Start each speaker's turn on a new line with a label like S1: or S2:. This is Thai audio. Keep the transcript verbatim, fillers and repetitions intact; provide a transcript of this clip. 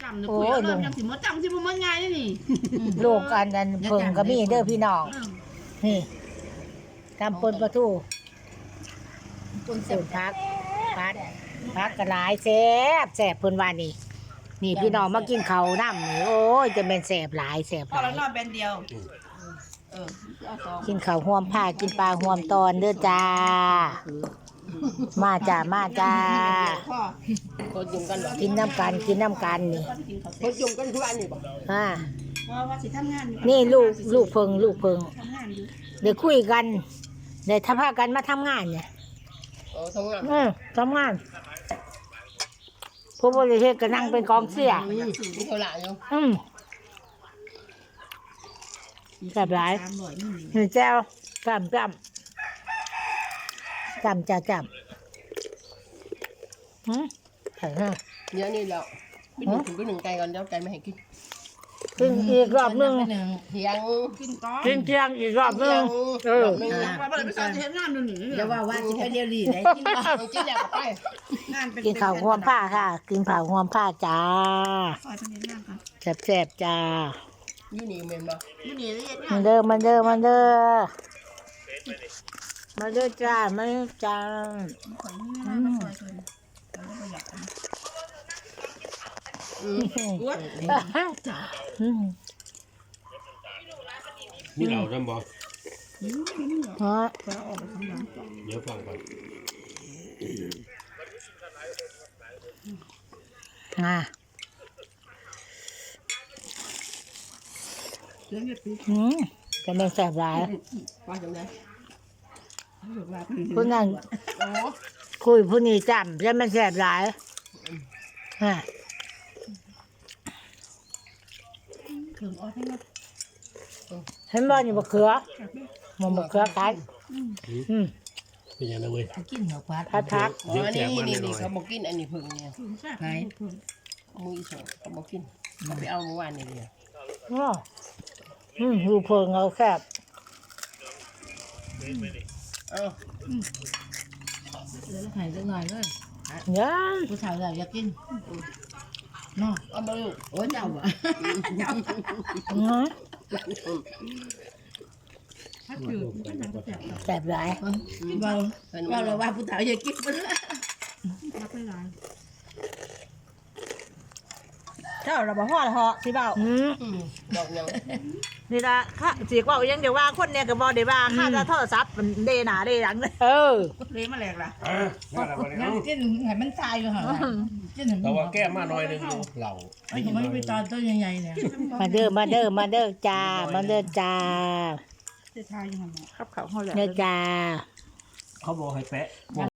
S1: จำเดี๋ยวคุยเริ่มจำสิมดจำสิมดง่ายนี่
S2: ลูกอันนั้นเพิ่งก็มีเด้อพี่น้องนี่ทำปนปลาทูปนสูตรพักพักพักกระหลายแซ่บแซ่บเพิ่นว่านี่นี่พี่น้องมากินข้าวน้ำนี่โอ้ยจะเป็นแซ่บหลายแซ่บห
S1: พอ
S2: ลา
S1: แล้
S2: ยว
S1: นอนแบนเดียวเออ
S2: กินข้าวห่วมผ้ากินปลาห่วมตอนเด้อจ้ามาจ้ามาจ้า
S1: พ่อ
S3: โคตรยุ่งกันหรอ
S2: กินน้ำกันกินน้ำกันนี่
S3: โคตรยุ่งกันทุกอันนี่บ่
S2: อ่า
S1: ว่าว่าสิทำงาน
S2: นี่ลูกลูกเพิงลูกเพิง
S1: ทำงานอยู่
S2: เดี๋ยวคุยกันเดี๋ยวถ้าพากันมาทำงานเนี่ย
S3: โอ้ทำงาน
S2: เออทำงานผู้บริหารก็นั่งเป็นกองเสีย
S3: มีเท่าไหร่อยู่
S2: อืมแบบไร
S1: สามร้อยนี่
S2: หนึ่งแจ้วจำจำจำจะจำหืมใส่ห้า
S3: เดี๋ยวนี้แล้วพี่หนึ่งถึงพี่หนึ่งไก่ก่อนเดี๋ยวไก่ไม่ให้กิน
S2: กินอีกรอบหนึง
S3: เที่ยง
S1: กินก้อน
S2: กินเที่ยงอีกรอบหนึงเออ
S1: ว่าบ่ได้ไปสอนเฮ็ดงานนู่นนี่
S4: อย่าว่าว่าสิไปเดียวดีได้กินบ่
S3: ต้องกินแล้วก็ไป
S1: งานเป็น
S2: กินข้าวห่วมผ้าค่ะ กินข้าวห่วมผ้าจ้า
S1: ซอยเป็นเฮ็ดงานกัน
S2: แซ่บๆจ้า
S3: อยู่นี่เมนบ่
S1: อยู่นี่เฮ็ดงา
S2: มาน เด้อมาเด้อมาเด้อมาเด้อจ้ามาเด้อจ้า
S1: ข่อยมีเวลามาซอยเพิ่นเราก็บ่อยากทำ
S3: อืม
S1: อ้วนจ้า
S2: อืม
S5: นี่เราทำบ่
S1: อืมนี่เหรอ
S2: ฮะ
S1: ไปเอาออกไปทำงานต่อ
S5: เดี๋ยวฟังก่อน
S2: อ่า
S1: เรื่องเฮ็ดปี
S2: อืมจะเป็นแซ่บหลาย
S3: ว่าจังได๋
S1: รู้ว่า
S2: ผู้นั้น
S3: โอ้
S2: คุยผู้นี้จำจะเป็นแซ่บหลายฮะ
S1: เครื่องออกให้มา
S2: เห็นบ่นี่บะเขือมันบะเขือกันอืม
S5: เป็นยังไงเว้ย
S4: กินเหรอพัด
S2: พัดพัก
S3: อ๋อนี่นี่นี่เขาบอกกินอันนี้เพิ่งเนี่ย
S1: ถึงแซ่บ
S4: ไหน
S3: มืออีสองเขาบอกกินเขาไปเอาเมื่อวานนี่เดียว
S2: อ้ออืมดูเพิงเอาแคบ
S3: เอ้า
S4: เหลือให้สักหน่อยเลย
S2: ยัง
S4: ผู้สาวเราอยากกินเนาะ
S3: เอามาลูก
S4: โอ้เจ้าอ่ะ
S2: อืม
S1: ถ้าคือมันจะแซ่บ
S2: แซ่บหลาย
S4: ว่าว่าเราว่าผู้สาวอยากกินมัน
S1: รับไม่ได้
S6: เจ้าเราบอกพ่อเหรอสิเบา
S2: อืม
S3: อืมดอกยัง
S6: นี่ละค่ะสีกว่ายังเดี๋ยวว่าคนเนี่ยกับบอเดี๋ยวว่าค่าจะโทรศัพท์มันเดหนาเดหลังเลย
S2: เออ
S1: เละมาแหลกล่ะ
S5: อ่าว่าอะไรวะเนี่ย
S4: มันกินให้มันตายอยู่ห่ากินให้
S5: แต่ว่าแก้มาหน่อยหนึงอยู่เหล่า
S4: มันไม่ไปตอนต้นใหญ่ๆเนี่ย
S2: มาเด้อมาเด้อมาเด้อจ้ามาเด้อจ้า
S1: จะทายยังไง
S6: ครับเขาเขาแหละ
S2: เด้อจ้า
S5: เขาบอกให้แปะ